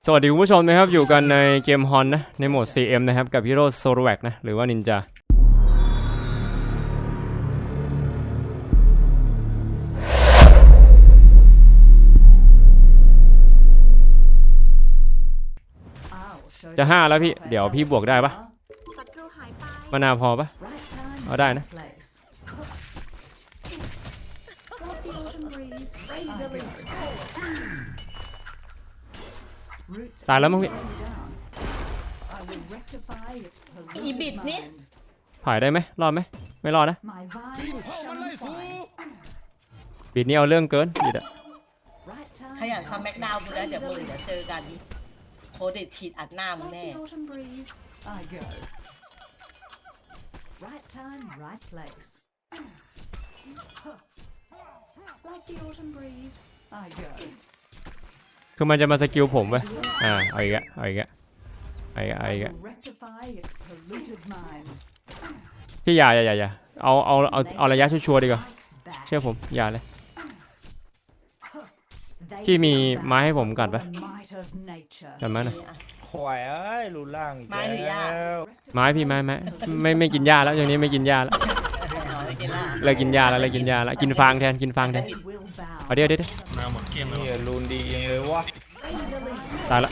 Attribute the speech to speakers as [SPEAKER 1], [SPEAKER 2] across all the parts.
[SPEAKER 1] สวัสดีคุณผู้ชมนะครับอยู่กันในเกมฮอนนะในโหมด CM นะครับกับฮีโร่โซโลแวกนะหรือว่านินจาจะ5แล้วพี่เดี๋ยวพี่บวกได้ปะมานาวพอปะเอาได้นะตายแล้วมั้งพี่
[SPEAKER 2] อีบิดนี่
[SPEAKER 1] ถ่ายได้ไหมรอดไหมไม่รอดนะบิดนี่เอาเรื่องเกินบิดอะ
[SPEAKER 2] ขยันซัมแม็กดาวกูแล้วเดี๋ยวเจอกันโคเดตฉีดอัดหน้ามึงแน่
[SPEAKER 3] Right time, right place. Like the autumn breeze, I go.
[SPEAKER 1] คือมันจะมาสกิลผมเว้ยเอาอีกอะพี่อย่าเอาระยะชัวร์ๆดีกว่าเชื่อผมอย่าเลยพี่มีไม้ให้ผมกัดปะกัดไม้หน่อย
[SPEAKER 4] หวยเอ้ยรูล่าง
[SPEAKER 2] ไม้หรือหญ้า
[SPEAKER 1] ไม้พี่ไม้ไม่กินหญ้าแล้วอย่างนี้ไม่กินหญ้าแล้วเลยกินหญ้าแล้วกินฟางแทนเอาเดี๋ยว
[SPEAKER 4] มาหมดเกมเลยรูนดีเองเลยวะ
[SPEAKER 1] ตายละ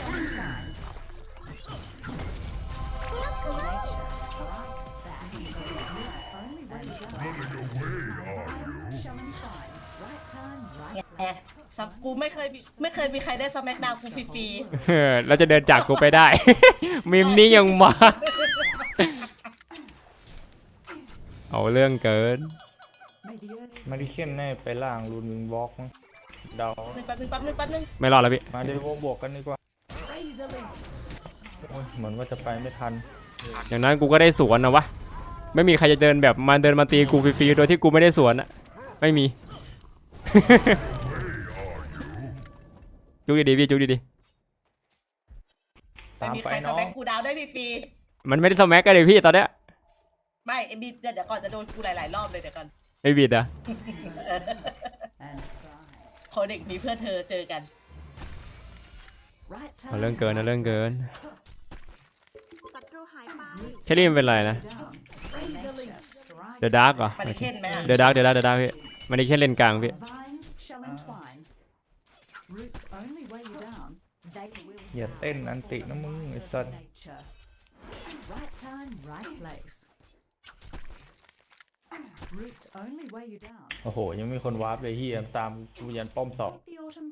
[SPEAKER 2] ซับกูไม่เคยมีใครได้ซัมแม็กดาวกูฟรี
[SPEAKER 1] ๆแล้วจะเดินจากกูไปได้ มิมนี้ยังมาเอาเรื่องเกิน
[SPEAKER 4] มาดิเคนแน่ไปล่างรูนวิงบล็อกมั้งเดา
[SPEAKER 2] แป๊บนึง
[SPEAKER 1] ไม่รอดแล้วพี่
[SPEAKER 4] มาเดี๋ยวบวกกันดีกว่าเหมือนว่าจะไปไม่ทัน
[SPEAKER 1] อย่างนั้นกูก็ได้สวนนะวะไม่มีใครจะเดินแบบมาตีกูฟรีๆโดยที่กูไม่ได้สวนอะไม่มี จุกดีๆพี่จุกดี
[SPEAKER 2] ๆไม่มีใครซัมแม็กกูดาวได้ฟรี
[SPEAKER 1] มันไม่ได้สแม็กกันเลยพี่ตอนเนี้ย
[SPEAKER 2] ไม่ไอ้บิดเดี๋ยวก่อนจะโดนกูหลายรอบเลยเดี๋ยวก่อน
[SPEAKER 1] ไอ้บิดอะ
[SPEAKER 2] โคเด็กมีเพื่อเธอเจอกัน
[SPEAKER 1] เอาเรื่องเกินเชลลี่มันเป็นไรนะเดอะดาร์กเหรอเดอะดาร์กพี่มันนี่แค่เล่นกลางพี่
[SPEAKER 4] อย่าเต้นอันตินะมึงไอ้สัสโอ้โหยังมีคนวาร์ปเลยเฮียตามกูยันป้อมสอบ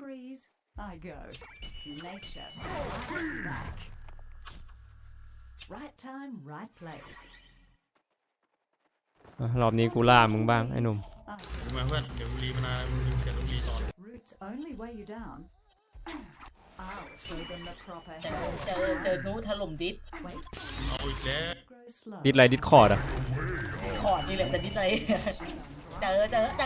[SPEAKER 1] รอบนี้กูล่ามึงบ้างไอ้หนุ่ม
[SPEAKER 4] มาเพื่อนเดี๋ยวรีมานามึงเสียต้องรีต่อ
[SPEAKER 2] เจอนู้ถล่มดิส
[SPEAKER 4] เอาอีกแล้ว
[SPEAKER 1] ดิสอะไรดิสคอร์ดอะ
[SPEAKER 2] คอร์ดนี่แหละแต่ดิสอะไรเจอ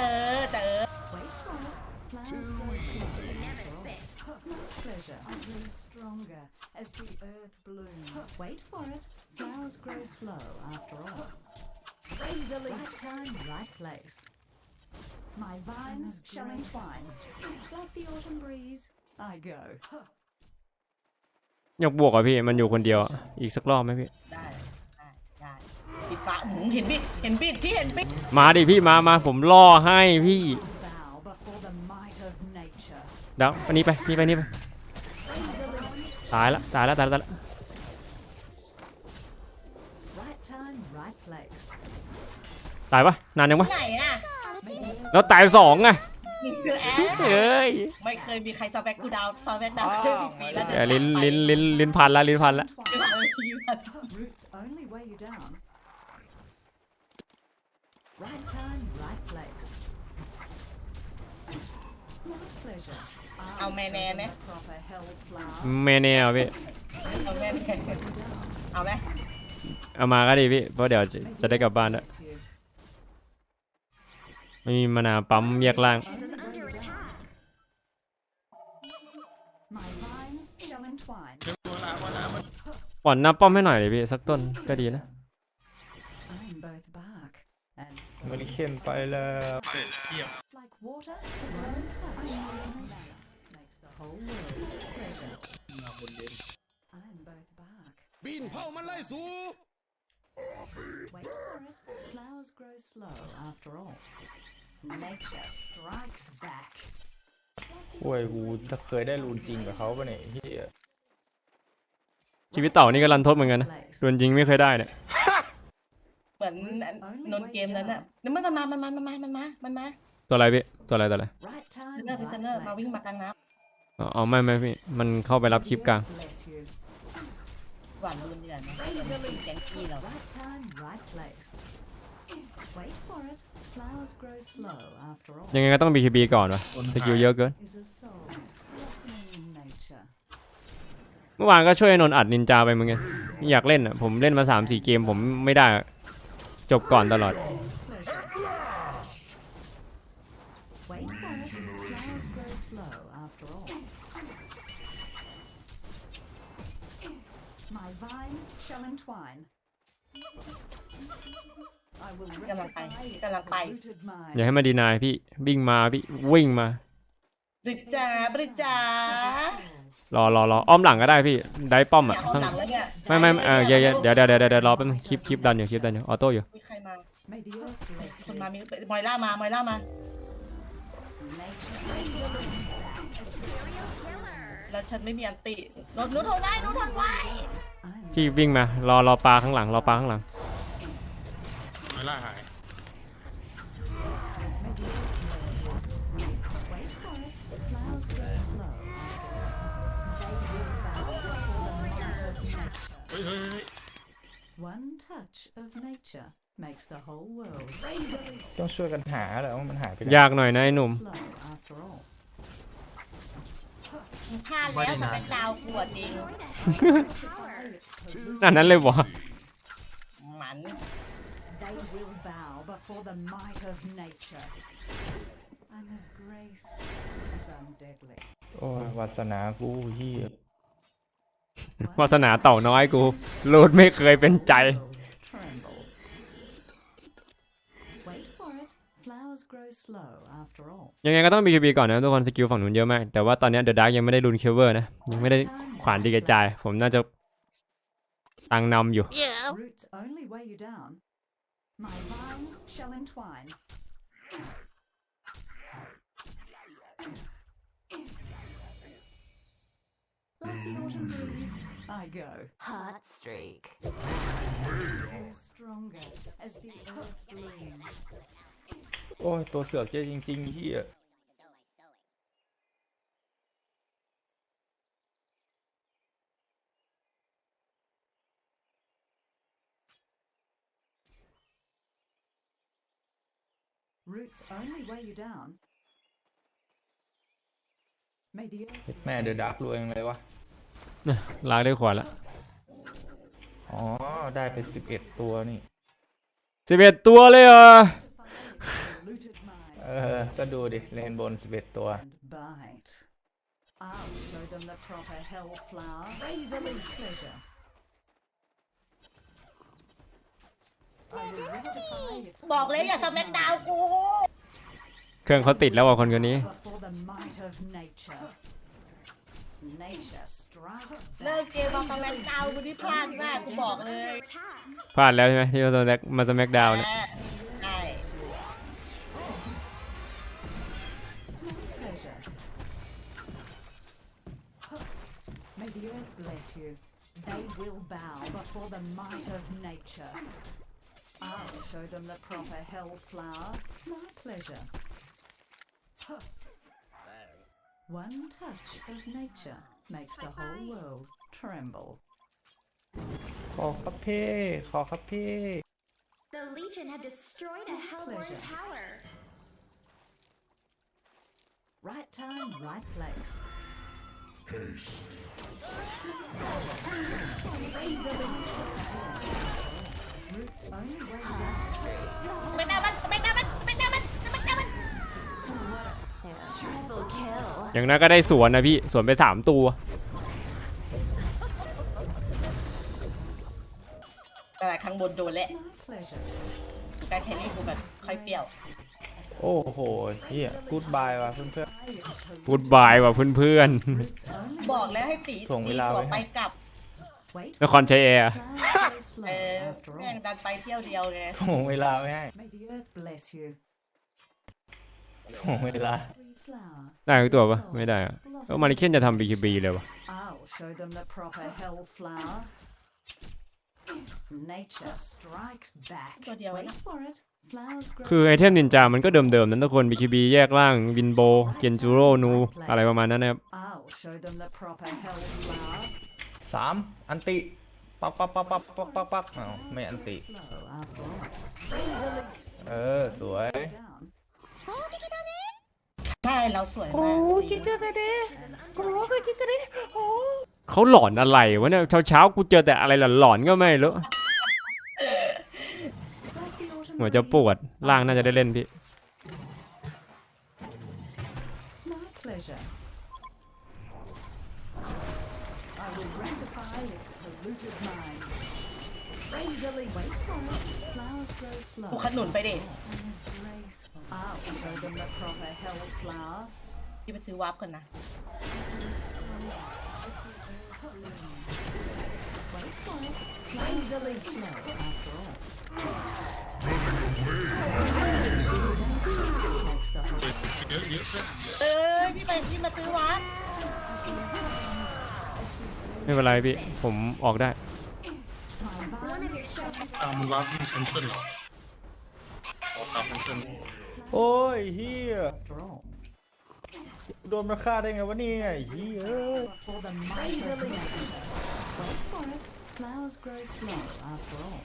[SPEAKER 3] Pleasure grows stronger as the earth blooms. Wait for it. Flowers grow slow after all. Right time, right place. My vines shall entwine. Like the autumn breeze, I go.
[SPEAKER 1] อยากบวกอ่ะพี่มันอยู่คนเดียวอีกสักรอบไหมพี่
[SPEAKER 2] ได้ปิดฟ้าหมูเห็นบิดพี่เห็นบิด
[SPEAKER 1] มาดิพี่มาผมล่อให้พี่เดี๋ยวอันนี้ไปตายละตายปะนานยังปะแล้วตาย2ไงเฮ้ย
[SPEAKER 2] ไม่เคยมีใครซัมแบ็กกูดาวซัมแบ็กดาวเคยมีฟรีแล้ว
[SPEAKER 1] ลิ้นพันละ
[SPEAKER 2] เอาแม่แน่ไหม
[SPEAKER 1] เมเน่พี่
[SPEAKER 2] เอาไหม
[SPEAKER 1] เอามาก็ดีพี่เพราะเดี๋ยวจะได้กลับบ้านด้วยไม่มีมะนาวปั๊มแยกล่างป่อนหน้าป้อมให้หน่อยเลยพี่สักต้นก็ดีนะ
[SPEAKER 4] มาดิเคนไปแล้ว
[SPEAKER 5] ปีนเผามันไล่สู
[SPEAKER 3] Wait for it. Flowers grow slow after all. Nature strikes back.
[SPEAKER 4] โอ้ยกูจะเคยได้รูนจริงกับเขาปะเนี่ยเฮีย
[SPEAKER 1] ชีวิตเต่านี่ก็รันทดเหมือนกันนะโดนยิงไม่เคยได้เนี่ย
[SPEAKER 2] เหมือนนนเกมนั้นน่ะนี่มันมา
[SPEAKER 1] ตัวอะไรพี่ตัวอะไร
[SPEAKER 3] Right time.
[SPEAKER 2] เซนเนอร์พิซเนอร์มาวิ่งมากลางน้
[SPEAKER 1] อ๋อไม่พี่มันเข้าไปรับคลิปกลาง
[SPEAKER 3] Bless you.
[SPEAKER 2] ำหวานรุนดีกว่านะแกงกี้เรา
[SPEAKER 3] Right time, right place. Wait for it. Flowers grow slow after all.
[SPEAKER 1] ยังไงก็ต้อง BKB ก่อนวะสกิลเยอะเกิน
[SPEAKER 3] Is a soul blossoming in nature.
[SPEAKER 1] เมื่อวานก็ช่วยนนท์อัดนินจาไปเหมือนกันอยากเล่นอ่ะผมเล่นมา 3-4 เกมผมไม่ได้อะจบก่อนตลอด
[SPEAKER 3] Pleasure. Wait for it. Flowers grow slow after all. My vines shall entwine. I will
[SPEAKER 2] กำลังไป
[SPEAKER 3] rectify its
[SPEAKER 2] กำลังไป
[SPEAKER 3] polluted mind.
[SPEAKER 1] อย่าให้มาดีนายพี่วิ่งมาพี่วิ่งมา
[SPEAKER 2] บริจาบริจาร
[SPEAKER 1] ออ้อมหลังก็ได้พี่ได้ป้อม
[SPEAKER 2] อ
[SPEAKER 1] อ่ะ
[SPEAKER 2] ยากเอา
[SPEAKER 1] ข้าง
[SPEAKER 2] หลังแล้วเนี่ย
[SPEAKER 1] ไม่เดี๋ยวรอแป๊บนึงคลิปดันอยู่ออโต้อยู่
[SPEAKER 2] มีใครมา
[SPEAKER 3] May the earth bless
[SPEAKER 2] คน
[SPEAKER 3] you.
[SPEAKER 2] มามีมอยล่ามา
[SPEAKER 3] Nature.
[SPEAKER 2] แล้วฉันไม่มีอันตินุทนไว้
[SPEAKER 3] I'm
[SPEAKER 1] พี่วิ่งมารอปลาข้างหลังรอปลาข้างหลัง
[SPEAKER 4] ไม่ล่าหาย
[SPEAKER 3] Wait for it. Flowers grow slow. They will bow before the might of nature.
[SPEAKER 4] เฮ้ย
[SPEAKER 3] One touch of nature makes the whole world razor
[SPEAKER 4] ต้องช่วยกันหาแหละว่ามันหายไปไหน
[SPEAKER 1] ยากหน่อยนะไอ้หนุ่ม
[SPEAKER 3] slow after all.
[SPEAKER 2] พลาดแล้วสเปคดาวปวดจริง
[SPEAKER 1] อันนั้นเลยวะ
[SPEAKER 2] หมัน
[SPEAKER 3] They will bow before the might of nature. I'm as graceful as I'm deadly.
[SPEAKER 4] โอ้ยวาสนากูเฮียว
[SPEAKER 1] าสนาเต่าน้อยกูรูดไม่เคยเป็นใจ
[SPEAKER 3] Tremble. Wait for it. Flowers grow slow after all.
[SPEAKER 1] ยังไงก็ต้อง BKB ก่อนนะทุกคนสกิลฝั่งนู้นเยอะมากแต่ว่าตอนนี้เดอะดาร์กยังไม่ได้รุนเคเวอร์นะยังไม่ได้ขวานดีกระจายผมน่าจะตังนำอยู่
[SPEAKER 3] Roots only weigh you down. My vines shall entwine. Like the autumn breeze, I go.
[SPEAKER 6] Hot streak.
[SPEAKER 3] Grow stronger as the earth blooms.
[SPEAKER 4] โอ้ยตัวเสือกเจ๊จริงๆเฮีย
[SPEAKER 3] Roots only weigh you down. May the earth
[SPEAKER 4] แม่เดอะดักรวยยังเลยวะ
[SPEAKER 1] ลากได้ขวานละ
[SPEAKER 4] อ๋อได้ไป11 ตัวนี่
[SPEAKER 1] 11 ตัวเลยเหรอ
[SPEAKER 3] polluted mind
[SPEAKER 4] ก็ดูดิเลนบน11 ตัว
[SPEAKER 3] and bite. I'll show them the proper hell flower. Razorly pleasure. I will rectify its
[SPEAKER 2] บอกเลยอย่าสเปคดาวกู
[SPEAKER 1] เครื่องเขาติดแล้วว่ะคนคนนี้
[SPEAKER 3] before the might of nature. Nature strikes
[SPEAKER 2] เลิก
[SPEAKER 3] back.
[SPEAKER 2] เกมมาสเปคดาวกูที่พลาดมากกูบอกเลย
[SPEAKER 1] พลาดแล้วใช่ไหมที่มาสแมกดาวน์เนี่ย
[SPEAKER 2] ใช่
[SPEAKER 3] Pleasure. May the earth bless you. They will bow before the might of nature. I'll show them the proper hell flower. My pleasure. One touch of nature makes the whole world tremble.
[SPEAKER 4] ขอครับพี่ขอครับพี่
[SPEAKER 6] The Legion have destroyed a Hellborn
[SPEAKER 3] Pleasure.
[SPEAKER 6] tower.
[SPEAKER 3] Right time, right place. Roots only way down.
[SPEAKER 2] สเปคดาวมันสเปคดาวมันสเปคดาวมันสเปคดาวมัน
[SPEAKER 6] Triple kill.
[SPEAKER 1] อย่างนั้นก็ได้สวนนะพี่สวนไป3 ตัว
[SPEAKER 2] แต่ข้างบนโดนแหละ
[SPEAKER 3] My pleasure.
[SPEAKER 2] การแค่นี้กูแบบค่อยเปรี้ยว
[SPEAKER 4] โอ้โหเฮียกูดบายว่ะเพื่อน
[SPEAKER 1] พูดบายว่ะเพื่อน
[SPEAKER 3] Roots only
[SPEAKER 2] บอกแล้วให้ตี
[SPEAKER 4] ถ่วงเวลา
[SPEAKER 2] ตัว
[SPEAKER 4] ไว้ให้
[SPEAKER 2] ไปกลับ
[SPEAKER 3] Wait
[SPEAKER 1] นครชัยแอร์
[SPEAKER 3] flowers grow
[SPEAKER 2] เอ
[SPEAKER 3] slow
[SPEAKER 2] อ
[SPEAKER 3] after
[SPEAKER 2] แม่ง
[SPEAKER 3] all.
[SPEAKER 2] ดันไปเที่ยวเดียวไง
[SPEAKER 4] โถ่วงเวลาไม่ให้
[SPEAKER 3] May the earth bless you.
[SPEAKER 4] โถ่วงเวลา
[SPEAKER 3] Free flower.
[SPEAKER 1] ได้ทุกตัวปะไม่ได้อะแล้วมาริเคนจะทำ BKB เลยวะ
[SPEAKER 3] I'll show them the proper hell flower. Nature strikes back.
[SPEAKER 2] ตัวเดียว
[SPEAKER 3] Wait
[SPEAKER 2] นะ
[SPEAKER 3] for it. Flowers grow
[SPEAKER 1] คือไอเทมนินจามันก็เดิมๆนั้นทุกคน BKB แยกล่างวินโบเกนจูโร่นูอะไรประมาณนั้นนะครับ
[SPEAKER 3] I'll show them the proper hell flower.
[SPEAKER 4] 3 อันติปักปักปักปักปักปักปักอ้าวไม่อันติ
[SPEAKER 3] Slow after all. Razor leaves.
[SPEAKER 4] สวย
[SPEAKER 3] Down.
[SPEAKER 2] ใช่เราสวยมาก
[SPEAKER 1] เขาหลอนอะไรวะเนี่ยเช้าๆกูเจอแต่อะไรหลอนๆก็ไม่รู้
[SPEAKER 3] Like the autumn
[SPEAKER 1] หัวจะปวดล่างน่าจะได้เล่นพี่
[SPEAKER 3] My pleasure. I will rectify its polluted mind. Razor leaves. Wait for it. Flowers grow slow.
[SPEAKER 2] กูขนุนไปดิ
[SPEAKER 3] And is graceful. I'll show them the proper hell flower.
[SPEAKER 2] พี่ไปซื้อวาร์ปก่อนนะ
[SPEAKER 3] Wait for it. Razor leaves slow after all. Makes the whole
[SPEAKER 2] พี่มาซื้อวาร์ป
[SPEAKER 1] ไม่เป็นไรพี่ผมออกได้
[SPEAKER 3] my
[SPEAKER 6] One of your structures
[SPEAKER 5] มันวาร์ปที่แคนเซิลออกตามแคนเซิล
[SPEAKER 4] โอ้ยเฮีย
[SPEAKER 3] after all.
[SPEAKER 4] โดนมาฆ่าได้ไงวะเนี่ยเฮีย
[SPEAKER 3] For the might of nature. Wait for it. Flowers grow slow after all.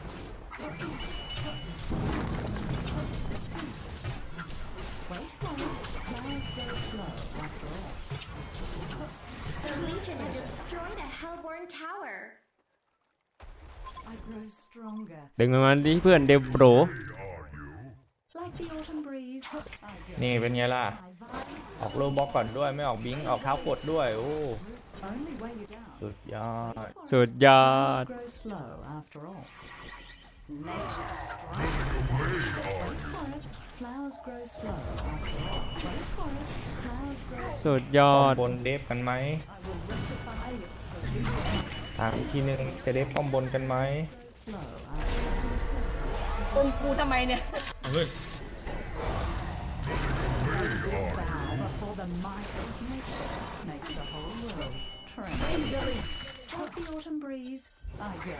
[SPEAKER 3] Wait for it. Flowers grow slow after all.
[SPEAKER 6] the Legion have destroyed a Hellborn tower.
[SPEAKER 3] I grow stronger.
[SPEAKER 1] ดึงมันดิเพื่อนเดบโบร
[SPEAKER 3] Like the autumn breeze. I go.
[SPEAKER 4] นี่เป็นไงล่ะ
[SPEAKER 3] My vines
[SPEAKER 4] ออกโลบล็อกก่อนด้วยไม่ออกบิงออกเท้ากดด้วยโอ้
[SPEAKER 3] only weigh you down.
[SPEAKER 4] สุดยอด
[SPEAKER 1] สุดยอด
[SPEAKER 3] Flowers grow slow after all. Nature strikes Wait for it. Flowers grow slow after all. Wait for it. Flowers grow slow.
[SPEAKER 1] สุดยอ
[SPEAKER 4] ป้อ
[SPEAKER 1] ด
[SPEAKER 4] มบนเดฟกันไหม
[SPEAKER 3] I will rectify its polluted
[SPEAKER 4] ถามอีกทีหนึงจะเดฟป้อมบนกันไหม
[SPEAKER 3] slow after
[SPEAKER 2] อมกูทำไมเนี่ย
[SPEAKER 5] เอาเฮ้ย
[SPEAKER 3] bow before the might of nature makes the whole world tremble. Razor leaves. Like the autumn breeze, I go.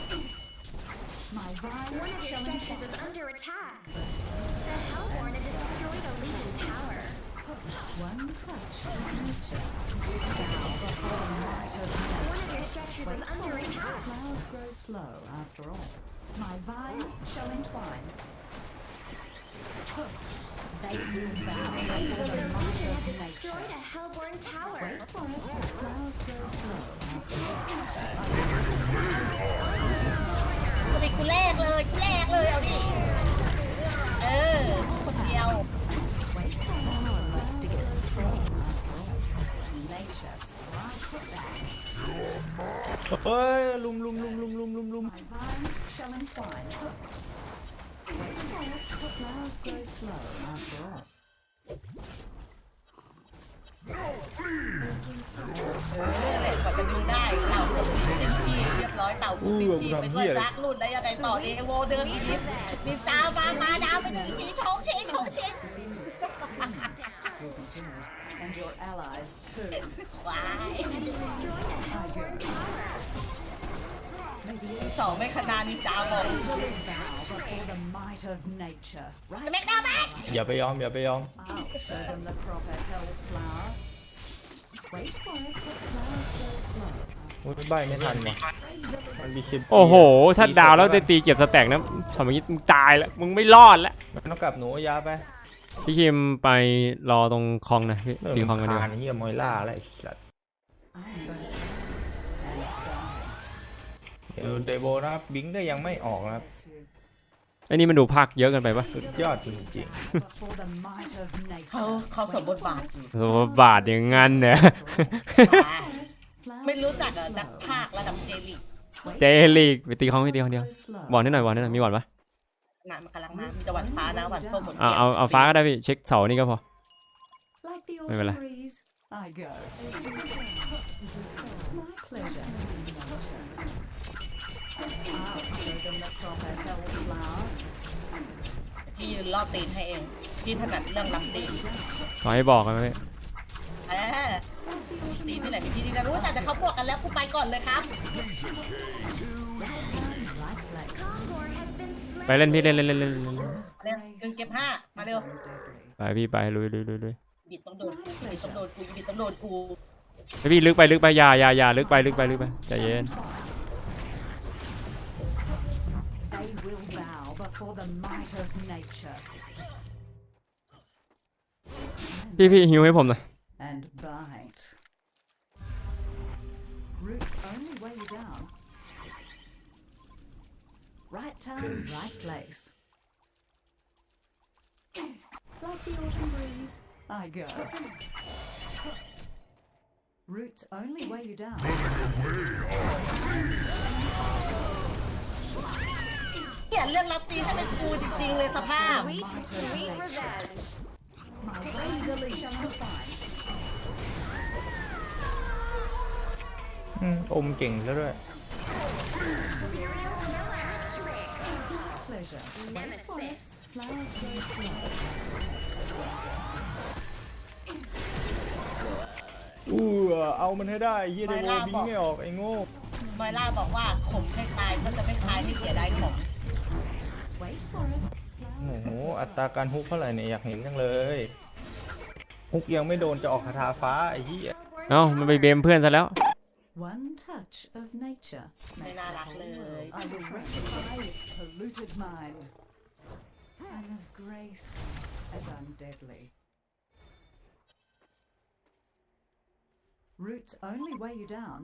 [SPEAKER 3] My vines
[SPEAKER 6] One of your
[SPEAKER 3] shall
[SPEAKER 6] structures is under attack. The Hellborn have destroyed a Legion tower.
[SPEAKER 3] one touch of nature. Bow before the might of nature.
[SPEAKER 6] One of your structures is under attack.
[SPEAKER 3] Flowers grow slow after all. My vines shall entwine. They will bow before the
[SPEAKER 6] The
[SPEAKER 3] might
[SPEAKER 6] Legion
[SPEAKER 3] of
[SPEAKER 6] have
[SPEAKER 3] nature.
[SPEAKER 6] destroyed a Hellborn tower.
[SPEAKER 3] Wait for it. Flowers grow slow after all.
[SPEAKER 2] กูดิกูแรกเลยเอาดิ เออคนเดียว
[SPEAKER 3] Wait for someone likes to get slow after all. Nature strikes back.
[SPEAKER 4] เฮ้ยลุม
[SPEAKER 3] My vines shall entwine. Wait for it. Flowers grow slow after all.
[SPEAKER 2] แหละกว่าจะดูได้เต่าสมบูรณ์เต็มที่เรียบร้อยเต่าฟูซิชีไปด้วยรักรุ่นได้ยังไงต่อเอโวเดินอีกนินจามาดาวไปหนึ่งทีชงเชง
[SPEAKER 3] And your allies too.
[SPEAKER 2] ว้าย
[SPEAKER 6] Have destroyed a Hellborn tower.
[SPEAKER 2] สองไม่ขนาดนินจาบอก
[SPEAKER 3] Bow before the might of nature. Right?
[SPEAKER 2] แม็กดาวแม็ก
[SPEAKER 4] อย่าไปยอม
[SPEAKER 3] I'll show them the proper hell flower. Wait for it. Flowers grow slow.
[SPEAKER 4] มุดใบไม่ทันว่ะมันมีคลิป
[SPEAKER 1] โอ้โห ถ้าดาวแล้วได้ตีเก็บสแต็กนะทำอย่างนี้มึงตายแล้วมึงไม่รอดแล้ว
[SPEAKER 4] มันต้องกลับหนูยาไป
[SPEAKER 1] พี่คิมไปรอตรงคลองนะพี่ตีคลองกันดีกว่า
[SPEAKER 4] เฮียมอยล่าอะไรสัตว์
[SPEAKER 3] I'm going
[SPEAKER 4] เดโบนะครับบิงก็ยังไม่ออกนะครับ
[SPEAKER 3] bless you.
[SPEAKER 1] ไอ้นี่มันดูภาคเยอะเกินไปปะ
[SPEAKER 4] สุดยอดจริง
[SPEAKER 3] Before the might of nature.
[SPEAKER 2] เขาสมบทบาทอยู่
[SPEAKER 1] โอ้บาทอย่างงั้นเนี่ย
[SPEAKER 2] ไม่รู้จักเหรอนักภาคระดับเจลิก
[SPEAKER 1] เจลีกไปตีคลองไม่ตีคนเดียวบอลนิดหน่อยบอลนิดหน่อยมีบอลปะ
[SPEAKER 2] น่ะมันกำลังมามีแต่วันฟ้านะวันส้มหมด
[SPEAKER 1] เอาฟ้าก็ได้พี่เช็คเสานี่ก็พอ
[SPEAKER 3] Like the
[SPEAKER 1] ไม่เป็นไร
[SPEAKER 3] autumn breeze, I go. My pleasure. I'll show them the proper hellflower.
[SPEAKER 2] พี่ยืนล่อตีนให้เองพี่ถนัดเรื่องรับตีน
[SPEAKER 1] ขอให้บอกกันไหม
[SPEAKER 2] เออตีนที่ไหนมีที่นี่นะรู้แต่เขาบวกกันแล้วกูไปก่อนเลยครับ
[SPEAKER 3] Right place.
[SPEAKER 6] Kongor has been
[SPEAKER 1] ไป
[SPEAKER 6] slain.
[SPEAKER 1] เล่นพี่เล่น
[SPEAKER 2] เร็วดึงเก็บ5มาเร็ว
[SPEAKER 3] So deadly.
[SPEAKER 1] ไปพี่ไปลุย
[SPEAKER 2] บิดต้องโดนกูบิดต้องโดนกูบิดต้องโดนกู
[SPEAKER 1] ไปพี่ลึกไปอย่าลึกไปใจเย็น
[SPEAKER 3] They will bow before the might of nature
[SPEAKER 1] พี่หิวให้ผมหน่อย
[SPEAKER 3] and bite. Roots only weigh you down. Right time, right place. Like the autumn breeze, I go. Roots only weigh you down.
[SPEAKER 2] เนี่ยเรื่องรับตีนให้เป็นกูจริงๆเลยสภาพ
[SPEAKER 6] Sweet, sweet revenge.
[SPEAKER 3] My razorly shall find.
[SPEAKER 4] อมเก่งซะด้วย
[SPEAKER 6] Serial killer trick.
[SPEAKER 3] Pleasure.
[SPEAKER 6] Nemesis.
[SPEAKER 3] Flowers grow slow.
[SPEAKER 4] เอามันให้ได้เฮียเดโวบิงไม่ออกไอ้โง่
[SPEAKER 2] มอยล่าบอกว่าข่มให้ตายก็จะไม่ตายให้เสียดายของ
[SPEAKER 3] Wait for it.
[SPEAKER 4] โอ้โหอัตราการฮุกเท่าไหร่เนี่ยอยากเห็นจังเลยฮุกยังไม่โดนจะออกคาถาฟ้าไอ้เหี้ย
[SPEAKER 1] เอ้ามันไปเบมเพื่อนซะแล้ว
[SPEAKER 3] One touch of nature
[SPEAKER 2] ไม่
[SPEAKER 3] makes
[SPEAKER 2] น่า
[SPEAKER 3] the
[SPEAKER 2] รัก
[SPEAKER 3] whole
[SPEAKER 2] เลย
[SPEAKER 3] world. I will rectify its polluted mind. I'm as graceful as I'm deadly. Roots only weigh you down.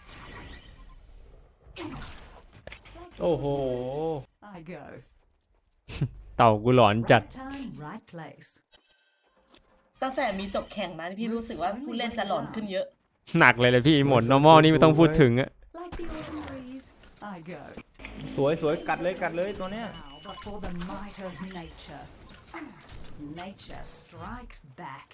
[SPEAKER 4] โอ้โห
[SPEAKER 3] I go.
[SPEAKER 1] เต่ากูหลอนจัด
[SPEAKER 3] Right time, right place.
[SPEAKER 2] ตั้งแต่มีจบแข่งมานี่พี่รู้สึกว่าผู้เล่นจะหลอนขึ้นเยอะ
[SPEAKER 1] หนักเลยพี่หมด normal นี่ไม่ต้องพูดถึงอะ
[SPEAKER 3] Like the autumn breeze, I go.
[SPEAKER 4] สวยกัดเลยตัวเนี้ย
[SPEAKER 3] Bow before the might of nature. Nature strikes back.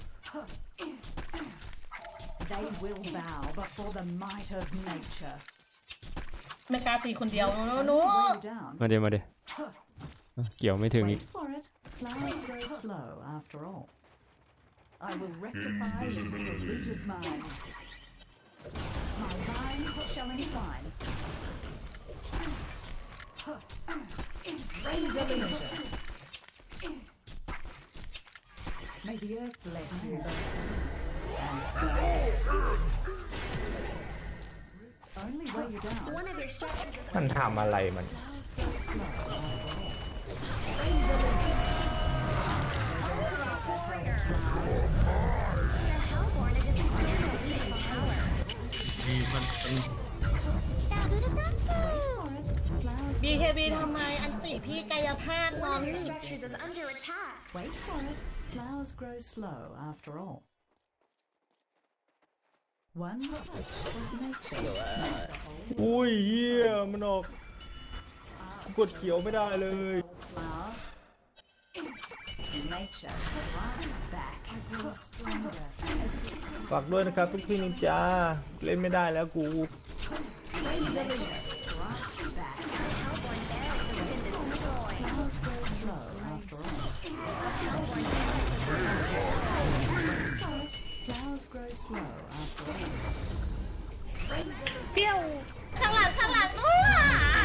[SPEAKER 3] They will bow before the might of nature.
[SPEAKER 2] ไม่กล้าตีคนเดียวหนู
[SPEAKER 3] Weigh you down.
[SPEAKER 1] มาเดี๋ยวเกี่ยวไม่ถึงอีก
[SPEAKER 3] Wait for it. Flowers grow slow after all. I will rectify its polluted mind. My vines shall entwine. Razor leisure. May the earth bless you. And only weigh you down.
[SPEAKER 6] One of your structures is
[SPEAKER 4] มันทำอะไรมัน
[SPEAKER 3] Flowers grow slow after all. Razor leisure.
[SPEAKER 6] warrior. The Hellborn has destroyed a Legion's tower.
[SPEAKER 5] มีมันเป็น
[SPEAKER 3] Flowers
[SPEAKER 2] บีเคบีทำไมอันติพี่กายภาพนอ
[SPEAKER 6] One
[SPEAKER 2] น
[SPEAKER 6] of your structures is under attack.
[SPEAKER 3] Wait for it. Flowers grow slow after all. One touch of nature makes the whole
[SPEAKER 4] อุ้ยเฮียมันออกกดเขียวไม่ได้เลย
[SPEAKER 3] flower. Nature strikes back. I grow stronger as the
[SPEAKER 4] ฝากด้วยนะครับทุกพี่นินจาเล่นไม่ได้แล้วกู
[SPEAKER 3] nature strikes back.
[SPEAKER 6] The Hellborn barracks has been destroyed.
[SPEAKER 3] Flowers grow slow after all.
[SPEAKER 6] Hellborn barracks has been destroyed.
[SPEAKER 3] Flowers grow slow after all.
[SPEAKER 2] ข้างหลังนู้น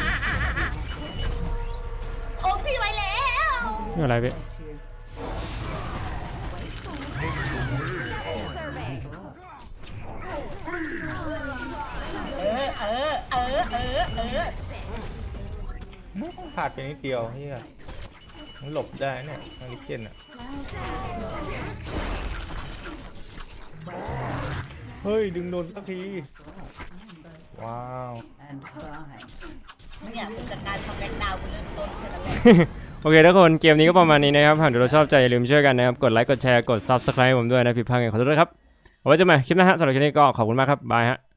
[SPEAKER 2] โอ้พี่ไว้แล้ว
[SPEAKER 1] นี่อะไรพี่
[SPEAKER 3] Bless you.
[SPEAKER 6] Survey.
[SPEAKER 4] ขาดไปนิดเดียวเฮียมันหลบได้เนี่ยมาริเกนอ่ะเฮ้ยดึงโดนสักทีว้าว
[SPEAKER 3] And bite.
[SPEAKER 2] เนี่ยผู้จัดการทำแบ็คดาวน์กูเริ่มต้นแค่นั้นแหละ
[SPEAKER 1] โอเคทุกคนเกมนี้ก็ประมาณนี้นะครับหากเราชอบใจอย่าลืมช่วยกันนะครับกดไลค์กดแชร์กด subscribe ผมด้วยนะผิดพลาดไงขอโทษด้วยครับเอาไว้เจอกันใหม่คลิปหน้าฮะสำหรับคลิปนี้ก็ขอบคุณมากครับบายฮะ